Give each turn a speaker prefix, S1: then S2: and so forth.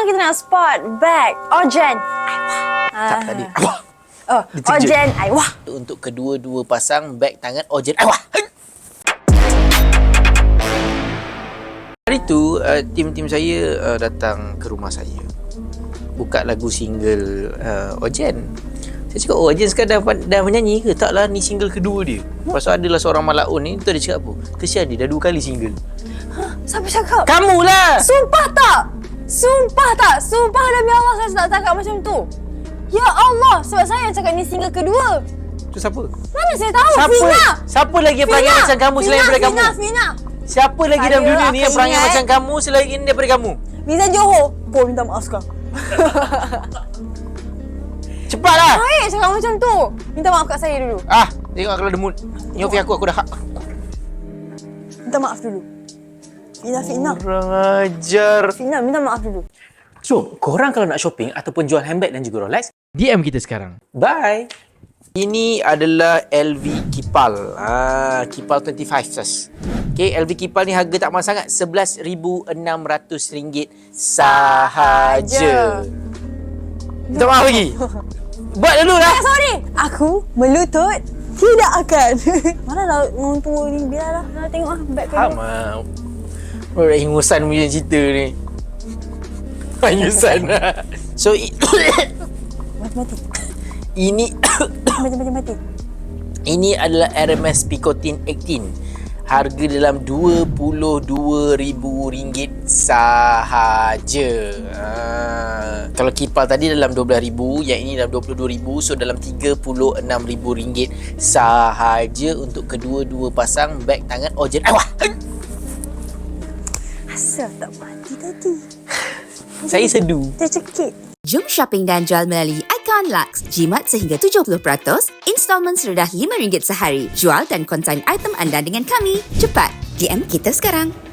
S1: kita nak spot bag Orjen.
S2: Tak tadi.
S1: Oh, Orjen Aiwah.
S2: Untuk kedua-dua pasang beg tangan Orjen Aiwah. Hari tu tim saya datang ke rumah saya. Buka lagu single Orjen. Saya cakap, Orjen sekarang dah menyanyi ke? Taklah, ni single kedua dia. Lepas tu adalah seorang malaun ni, tu dia cakap apa? Kesian dia, dah 2 kali single.
S1: Siapa cakap?
S2: Kamulah!
S1: Sumpah tak? Sumpah demi Allah saya tak cakap macam tu. Ya Allah, sebab saya yang cakap ni single kedua.
S2: Tu siapa?
S1: Mana saya tahu? Fina!
S2: Siapa lagi yang perangai macam kamu selain daripada kamu?
S1: Fina.
S2: Siapa lagi dalam dunia ni yang perangai macam kamu selain daripada kamu?
S1: Liza Johor. Po minta maaf sekarang.
S2: Cepatlah!
S1: Baik cakap macam tu. Minta maaf kat saya dulu.
S2: Tengok kalau ada mood. Nyofi aku dah hak.
S1: Minta maaf dulu. Fina.
S2: Kurang ajar.
S1: Fina, minta maaf dulu.
S2: So, korang kalau nak shopping ataupun jual handbag dan juga Rolex, DM kita sekarang. Bye! Ini adalah LV Kipal. Kipal 25 Okay, LV Kipal ni harga tak mahal sangat. RM11,600 sahaja. Minta maaf lagi. Buat dulu lah.
S1: Sorry. Aku melutut tidak akan. Mana lah orang tua ni. Biarlah. Nak tengok lah beg kedua.
S2: Sama. Orang ingusan punya cerita ni. Ingusan. So,
S1: Mati.
S2: ini
S1: Mati.
S2: ini adalah RMS Picotin 18. Harga dalam RM22,000 sahaja. Kalau Kipal tadi dalam RM12,000, yang ini dalam RM22,000, so dalam RM36,000 sahaja untuk kedua-dua pasang beg tangan Orjen Aiwah.
S1: Asal tak mati tadi.
S2: Saya sedu.
S1: Tercekik.
S3: Jom shopping dan jual melalui Icon Lux. Jimat sehingga 70%, installmen serendah RM5 sehari. Jual dan konsign item anda dengan kami. Cepat, DM kita sekarang.